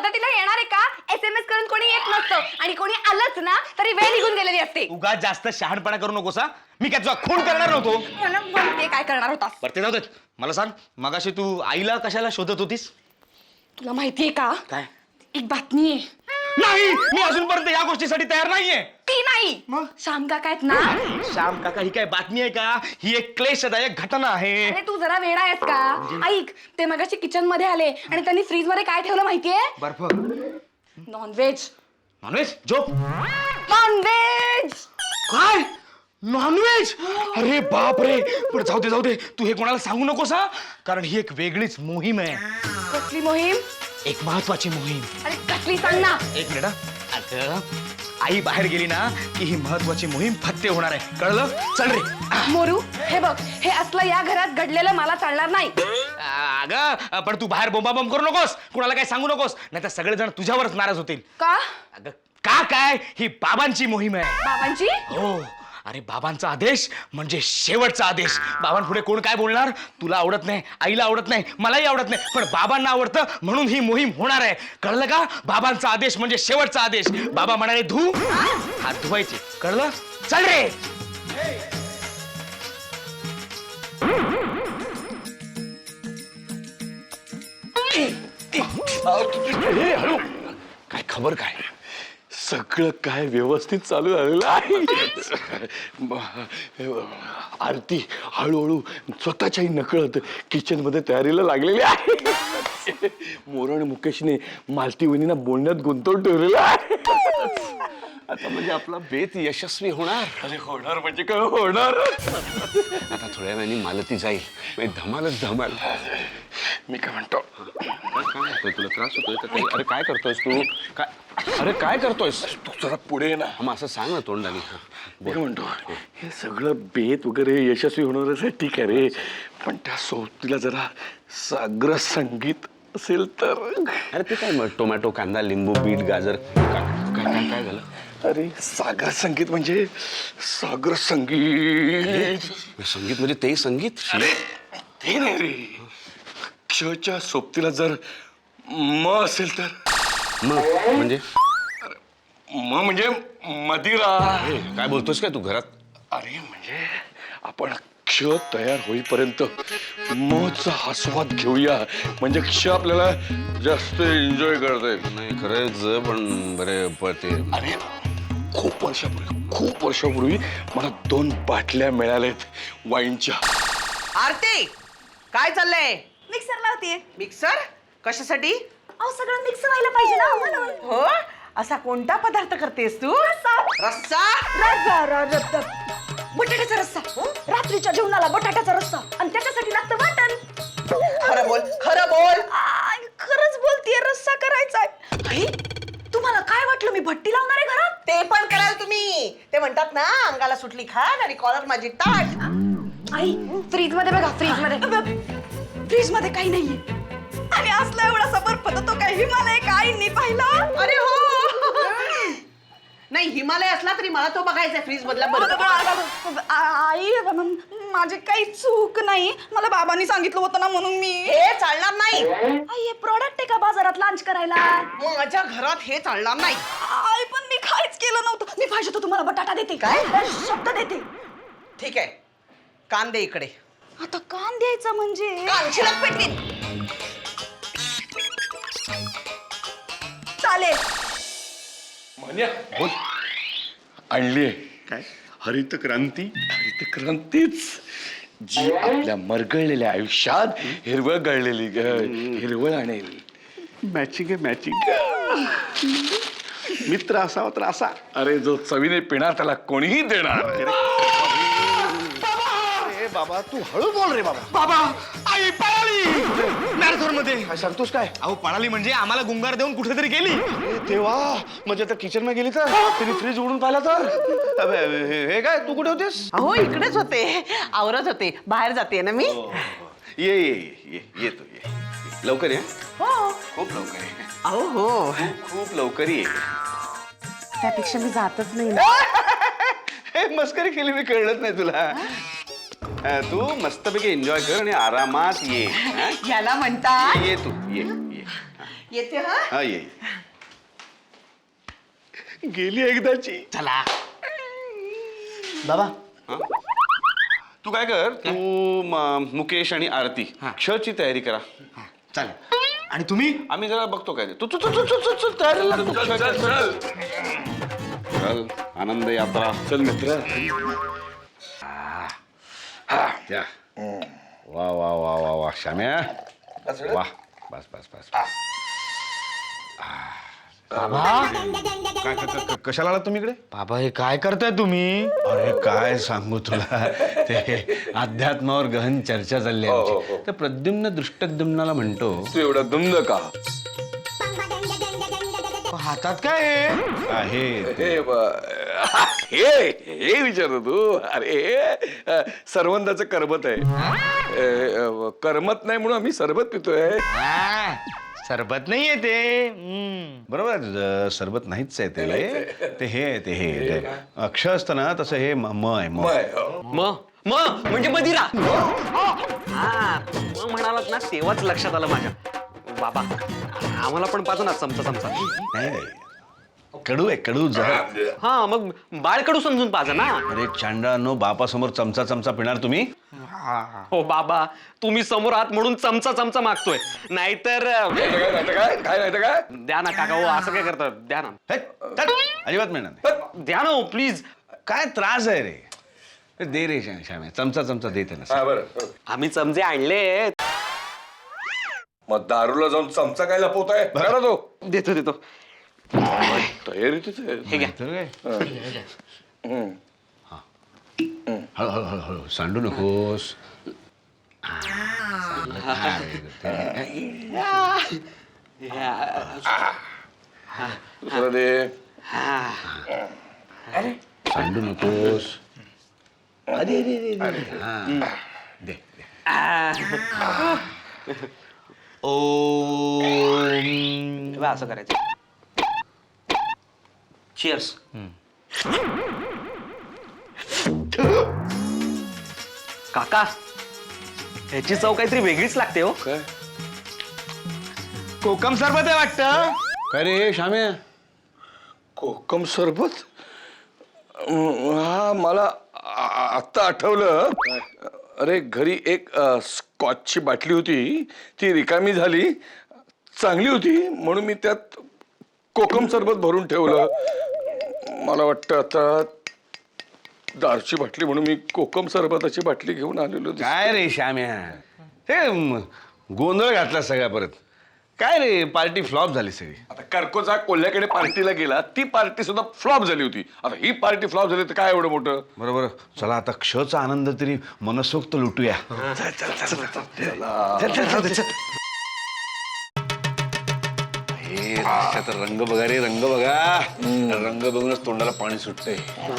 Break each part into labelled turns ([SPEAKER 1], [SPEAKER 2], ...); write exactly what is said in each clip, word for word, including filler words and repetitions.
[SPEAKER 1] मदतीला येणार आहे का? एसएमएस करून कोणी येत नसतं आणि कोणी आलंच ना तरी वेळ निघून गेलेली असते.
[SPEAKER 2] उगा जास्त शहाणपणा करू नकोस. मी काय तुझा खून करणार नव्हतो.
[SPEAKER 1] मला माहितीये काय करणार होतास.
[SPEAKER 2] बरं ते जाऊ दे. मला सांग, मगाशी तू आईला कशाला शोधत होतीस?
[SPEAKER 1] तुला माहितीये का?
[SPEAKER 2] काय?
[SPEAKER 1] एक बातमी आहे.
[SPEAKER 2] नाही, मी अजूनपर्यंत या गोष्टीसाठी तयार नाहीये.
[SPEAKER 1] ती नाही
[SPEAKER 2] मग?
[SPEAKER 1] श्याम काका आहेत ना.
[SPEAKER 2] श्याम काका ही काय बातमी आहे का? ही एक क्लेशदायक घटना आहे.
[SPEAKER 1] अरे तू जरा वेडा आहेस का? ऐक, ते मगाशी किचन मध्ये आले आणि त्यांनी फ्रीज मध्ये काय ठेवलं माहितीये?
[SPEAKER 2] बर्फ.
[SPEAKER 1] नॉनव्हेज.
[SPEAKER 2] नॉनव्हेज? झोप.
[SPEAKER 1] नॉनव्हेज.
[SPEAKER 2] काय? नॉनव्हेज? अरे बाप रे. पण जाऊ दे जाऊ दे, तू हे कोणाला सांगू नकोस हा, कारण ही एक वेगळीच मोहीम आहे.
[SPEAKER 1] कसली मोहीम?
[SPEAKER 2] एक महत्वाची मोहीम.
[SPEAKER 1] अरे कसली सांग ना.
[SPEAKER 2] एक मिनिट हा. अगं, आई बाहेर गेली ना की ही महत्वाची मोहीम फत्ते होणार आहे, कळलं? चल रे.
[SPEAKER 1] मोरू, हे बघ, हे असलं या घरात घडलेलं मला चालणार नाही.
[SPEAKER 2] अगं पण तू बाहेर बोंबाबोंब करू नकोस, कुणाला काय सांगू नकोस, नाही तर सगळेजण तुझ्यावरच नाराज होतील.
[SPEAKER 1] का?
[SPEAKER 2] अगं का काय, ही बाबांची मोहीम आहे.
[SPEAKER 1] बाबांची?
[SPEAKER 2] हो. अरे बाबांचा आदेश म्हणजे शेवटचा आदेश. बाबांपुढे कोण काय बोलणार? तुला आवडत नाही, आईला आवडत नाही, मलाही आवडत नाही, पण बाबांना आवडतं म्हणून ही मोहीम होणार आहे, कळलं का? बाबांचा आदेश म्हणजे शेवटचा आदेश. बाबा म्हणाले धू, हात धुवायचे, कळलं? चल रे.
[SPEAKER 3] काय खबर काय? सगळं काय व्यवस्थित चालू झालेलं आहे. आरती हळूहळू स्वतःच्याही नकळत किचन मध्ये तयारीला लागलेली आहे. मोर आणि मुकेशने मालती वहिनींना बोलण्यात गुंतवून ठेवलेलं आहे. आता म्हणजे आपला बेत यशस्वी होणार. अरे होणार म्हणजे काय होणार. आता थोड्या वेळाने मालती जाईल, म्हणजे धमालच धमाल. मी काय म्हणतो, काय तुला त्रास होतोय का काही? अरे काय करतोयस तू? काय अरे काय करतोयस तू? जरा पुढे ना. मग असं सांग ना तोंडाने. मी काय म्हणतो, हे सगळं बेत वगैरे यशस्वी होणार ठीक आहे रे, पण त्या सोबतीला जरा साग्र संगीत असेल तर. अरे ते काय मग टोमॅटो, कांदा, लिंबू, बीट, गाजर काय काय काय झालं? अरे सागर संगीत म्हणजे सागर संगीत. संगीत म्हणजे ते संगीत? अरे ते नाही रे, क्षच्या सोबतीला जर म असेल तर. म म्हणजे? म म्हणजे मदिरा. काय बोलतोस काय तू घरात? अरे म्हणजे आपण क्ष तयार होईपर्यंत मचा आस्वाद घेऊया, म्हणजे क्ष आपल्याला जास्त एन्जॉय करता येईल. नाही खरंच, पण बरे पडते. अरे खूप वर्षापूर्वी खूप वर्षापूर्वी मला दोन बाटल्या मिळाल्यात वाईनच्या.
[SPEAKER 4] आरती, काय चाललंय?
[SPEAKER 1] मिक्सर लावतीये.
[SPEAKER 4] मिक्सर कशासाठी?
[SPEAKER 1] अहो सगळं मिक्स व्हायला पाहिजे ना म्हणून.
[SPEAKER 4] हो, असा कोणता पदार्थ करतेस तू?
[SPEAKER 1] रस्सा.
[SPEAKER 4] रस्सा?
[SPEAKER 1] रस्सा, रस्सा. बटाट्याचा रस्सा. रात्रीच्या जेवणाला बटाट्याचा रस्सा आणि त्याच्यासाठी लागतं वाटण.
[SPEAKER 4] खरं बोल, खरं बोल.
[SPEAKER 1] आय, खरंच बोलतीये, रस्सा करायचा. आई, तुम्हाला काय वाटलं मी भट्टी लावणार आहे घरात?
[SPEAKER 4] ते पण कराल तुम्ही. ते म्हणतात ना, अंगाला सुटली खान आणि कॉलर माझी ताट.
[SPEAKER 1] आई, फ्रीज मध्ये बघा, फ्रीज मध्ये. फ्रीज मध्ये काही नाहीये आणि असला एवढासा बर्फ तर तो काही हिमालय का आईंनी पाहिला?
[SPEAKER 4] अरे हो. नाही, हिमालय असला तरी मला तो बघायचा फ्रीज मधला बर्फ.
[SPEAKER 1] आई, माझी काही चूक नाही, मला बाबांनी सांगितलं होतं ना म्हणून मी.
[SPEAKER 4] हे चालणार नाही.
[SPEAKER 1] आई, हे प्रोडक्ट आहे का बाजारात लॉन्च करायला?
[SPEAKER 4] माझ्या घरात हे चालणार नाही.
[SPEAKER 1] आई, पण मी काहीच केलं नव्हतं. मी पाहिजे तर तुम्हाला बटाटा देते.
[SPEAKER 4] काय?
[SPEAKER 1] शब्द देते.
[SPEAKER 4] ठीक आहे, कान दे इकडे.
[SPEAKER 1] आता कान द्यायचा म्हणजे?
[SPEAKER 4] कान शिलक पेटवीन.
[SPEAKER 1] चालेल.
[SPEAKER 3] बोल. आणलीये काय? हरित क्रांती. हरित क्रांतीच जी आपल्या मरगळलेल्या आयुष्यात हिरवळ गळलेली हिरवळ आणेल. मॅचिंग आहे, मॅचिंग. मित्र असावा तर असा. अरे जो चवीने पिणार त्याला कोणीही देणार.
[SPEAKER 2] बाबा तू हळू बोल रे बाबा. बाबा, आई पळाली मॅरेथॉन मध्ये.
[SPEAKER 3] काय सांगतोस काय?
[SPEAKER 2] अहो पळाली म्हणजे आम्हाला गुंगार देऊन कुठेतरी गेली.
[SPEAKER 3] तेव्हा म्हणजे आता किचन मध्ये गेली तर तिने फ्रीज उघडून पाहिला तर. हे काय, तू कुठे होतेस?
[SPEAKER 4] अहो इकडेच होते, आवरत होते. बाहेर जाते ना मी.
[SPEAKER 3] ये ये ये ये तू ये. लवकर ये.
[SPEAKER 4] हो.
[SPEAKER 3] खूप लवकर ये.
[SPEAKER 4] अहो हो,
[SPEAKER 3] खूप लवकर ये.
[SPEAKER 4] त्यापेक्षा मी जातच नाही ना.
[SPEAKER 3] हे मस्करी केली, मी कळलंच नाही तुला.
[SPEAKER 5] अ, तू मस्तपैकी एन्जॉय कर आणि आरामात ये हा?
[SPEAKER 4] याला म्हणतात
[SPEAKER 5] ये तू ये ये
[SPEAKER 4] येते हा
[SPEAKER 5] हा ये
[SPEAKER 3] गेली एकदाची.
[SPEAKER 2] चला
[SPEAKER 6] बाबा
[SPEAKER 5] हा? तू काय कर तू म- मुकेश आणि आरती क्षची तयारी करा
[SPEAKER 6] चालेल. आणि तुम्ही?
[SPEAKER 5] आम्ही जरा बघतो काय ते. तू तू तू तू तू- तू तू तयारीला लाग.
[SPEAKER 3] चल चल चल
[SPEAKER 5] चल आनंद यात्रा
[SPEAKER 3] चल मित्र.
[SPEAKER 5] या वा वा वा वा वा श्याम्या वा बस बस बस काय क- क- क- कशाला आलात तुम्ही इकडे
[SPEAKER 2] बाबा हे काय करताय तुम्ही?
[SPEAKER 5] अरे काय सांगू तुला ते अध्यात्मावर गहन चर्चा चालली आहे आमची. तर प्रद्युम्न दृष्टद्युम्नाला म्हणतो
[SPEAKER 3] तू एवढा दुमद का?
[SPEAKER 2] हातात काय आहे?
[SPEAKER 5] आहे
[SPEAKER 3] हे ब- हे हे विचारतो तू. अरे अ, सरवंदाचं करमत आहे. अ, अ, करमत नाही म्हणून आम्ही सरबत पितोय.
[SPEAKER 2] हा, सरबत नाहीये ते. हम्म.
[SPEAKER 5] बरोबर आहे तुझं सरबत नाहीच आहे ते ते हे आहे, ते हे ते अक्ष असतं ना तसं हे म म आहे म
[SPEAKER 3] मय.
[SPEAKER 6] म म म्हणजे मदिरा. हा म म्हणालात ना तेव्हाच लक्षात आलं माझ्या. बाबा आम्हाला पण पाहतो ना चमचा चमचा.
[SPEAKER 5] नाही नाही. कडू आहे कडू जहर.
[SPEAKER 6] हा मग बाळकडू समजून पाजा ना.
[SPEAKER 5] अरे चांडानो बापासमोर चमचा चमचा पिणार तुम्ही
[SPEAKER 6] हो बाबा तुम्ही समोर आहात म्हणून चमचा चमचा मागतोय नाहीतर
[SPEAKER 3] काय नाही तर काय काय नाही तर काय
[SPEAKER 6] द्या ना काका हो असं काय करतात द्या ना
[SPEAKER 5] हे, तट. अजिबात मिळणार नाही.
[SPEAKER 6] द्या ना हो प्लीज.
[SPEAKER 5] काय त्रास आहे रे अरे दे रे श्या- श्याम्या चमचा चमचा देते ना
[SPEAKER 3] हा बरं.
[SPEAKER 6] आम्ही चमचे आणले.
[SPEAKER 3] मग दारूला जाऊन चमचा काय लपवताय बघा तो.
[SPEAKER 6] देतो देतो
[SPEAKER 3] तयारीतच आहे.
[SPEAKER 6] हे घ्या.
[SPEAKER 5] तर काय
[SPEAKER 3] हम्म.
[SPEAKER 5] हळू हळू हळू हळू सांडू नकोस
[SPEAKER 3] दुसरा दे.
[SPEAKER 5] सांडू नकोस हा, दे दे.
[SPEAKER 2] ओम.
[SPEAKER 6] असं करायचं. चिअर्स. काका ह्याची चव काहीतरी वेगळीच लागते हो.
[SPEAKER 3] काय
[SPEAKER 2] कोकम सरबत आहे वाटतं.
[SPEAKER 5] काय रे श्याम्या
[SPEAKER 3] कोकम सरबत. अं, हा मला आ- आत्ता आठवलं. अरे घरी एक अ, स्कॉचची बाटली होती ती रिकामी झाली. चांगली होती म्हणून मी त्यात कोकम सरबत भरून ठेवलं. मला वाटतं आता दारूची बाटली म्हणून मी कोकम सरबताची बाटली घेऊन आलेलो दिसतो.
[SPEAKER 5] काय रे श्याम्या हे म, गोंधळ घातला सगळ्या परत काय रे पार्टी फ्लॉप झाली सगळी
[SPEAKER 3] आता कर्कोचा कोल्ह्याकडे पार्टीला गेला ती पार्टी सुद्धा फ्लॉप झाली होती. आता ही पार्टी फ्लॉप झाली तर काय एवढं मोठं.
[SPEAKER 5] बरोबर चला आता क्षचा आनंद तरी मनसोक्त लुटूया हे रस्त्याचा रंग बघा रे रंग बघा रंग बघूनच तोंडाला पाणी सुटतंय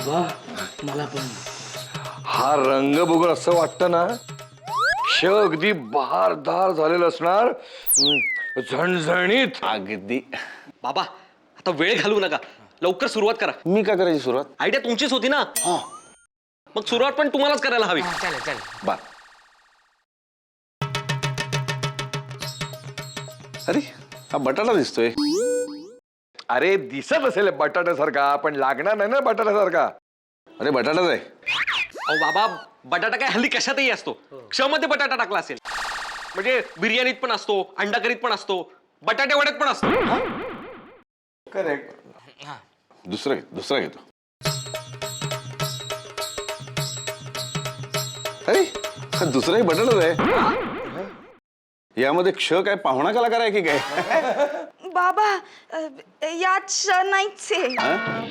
[SPEAKER 3] हा रंग बघून असं वाटतं ना क्ष अगदी बहारदार झालेलं असणार. हम्म, झणझणीत.
[SPEAKER 5] अगदी
[SPEAKER 6] बाबा आता वेळ घालवू नका लवकर सुरुवात करा.
[SPEAKER 5] मी काय करायची सुरुवात
[SPEAKER 6] आयडिया तुमचीच होती ना. मग सुरुवात पण तुम्हालाच करायला हवी.
[SPEAKER 2] चालेल चालेल.
[SPEAKER 5] बा अरे हा बटाटा दिसतोय
[SPEAKER 3] अरे दिसत असेल बटाट्यासारखा पण लागणार नाही ना बटाट्यासारखा.
[SPEAKER 5] अरे बटाटाच आहे
[SPEAKER 6] अहो बाबा बटाटा काय हल्ली कशातही असतो. क्षमध्ये बटाटा टाकला असेल म्हणजे बिर्याणीत पण असतो अंडा करीत पण असतो बटाटे वड्यात पण असतो.
[SPEAKER 3] करेक्ट.
[SPEAKER 5] दुसरा घे दुसरा घेतो अरे हा दुसराही बटाटाच आहे यामध्ये क्ष काय पाहुणा कलाकार आहे की काय
[SPEAKER 1] बाबा अ, यात श नाहीच आहे.
[SPEAKER 5] हा?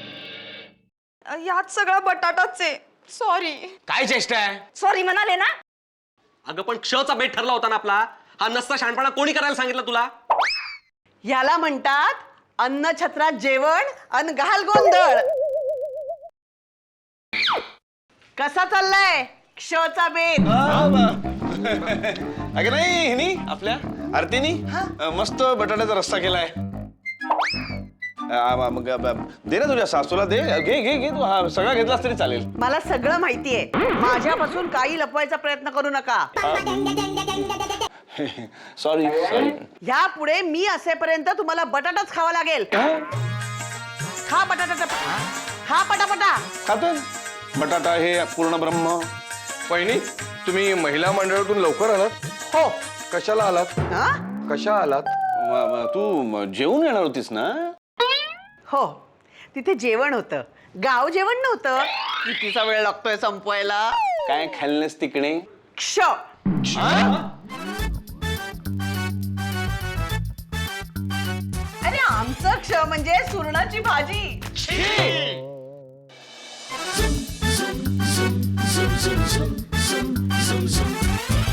[SPEAKER 1] यात सगळा बटाटाच आहे. सॉरी
[SPEAKER 2] काय चेष्टा आहे?
[SPEAKER 1] सॉरी म्हणाले ना.
[SPEAKER 6] अगं पण क्षचा बेट ठरला होता ना आपला. हा नसता शहाणपणा कोणी करायला सांगितलं तुला.
[SPEAKER 4] याला म्हणतात अन्न छत्रात जेवण अन घाल गोंधळ. कसा चाललाय क्षचा बेत.
[SPEAKER 5] अगं नाही हिनी आपल्या आरतीनी अं, मस्त बटाट्याचा रस्सा केलाय
[SPEAKER 3] आ, मग, ब- दे ना तुझ्या सासूला दे घे घे घे तू हा, सगळा घेतलास तरी चालेल.
[SPEAKER 4] मला सगळं माहितीये. माझ्यापासून काही लपवायचा प्रयत्न करू नका.
[SPEAKER 3] Sorry sorry.
[SPEAKER 4] ह्या पुढे मी असेपर्यंत तुम्हाला बटाटाच खावा लागेल. खा बटाटा, खा पटापटा.
[SPEAKER 3] खातो बटाटा हे पूर्ण ब्रह्म.
[SPEAKER 7] वहिनी तुम्ही महिला मंडळातून लवकर आलात?
[SPEAKER 4] हो.
[SPEAKER 7] कशाला आलात?
[SPEAKER 4] हा?
[SPEAKER 7] कशा आलात?
[SPEAKER 3] म- म- तू म- जेवून येणार होतीस ना?
[SPEAKER 4] हो, तिथे जेवण होतं. गाव जेवण नव्हतं. कितीचा वेळ लागतोय संपवायला?
[SPEAKER 3] काय खाल्लंस तिकडे?
[SPEAKER 4] क्ष. अरे आमचं क्ष म्हणजे सुरणाची भाजी.
[SPEAKER 8] Zoom, zoom, zoom, zoom, zoom, zoom, zoom, zoom.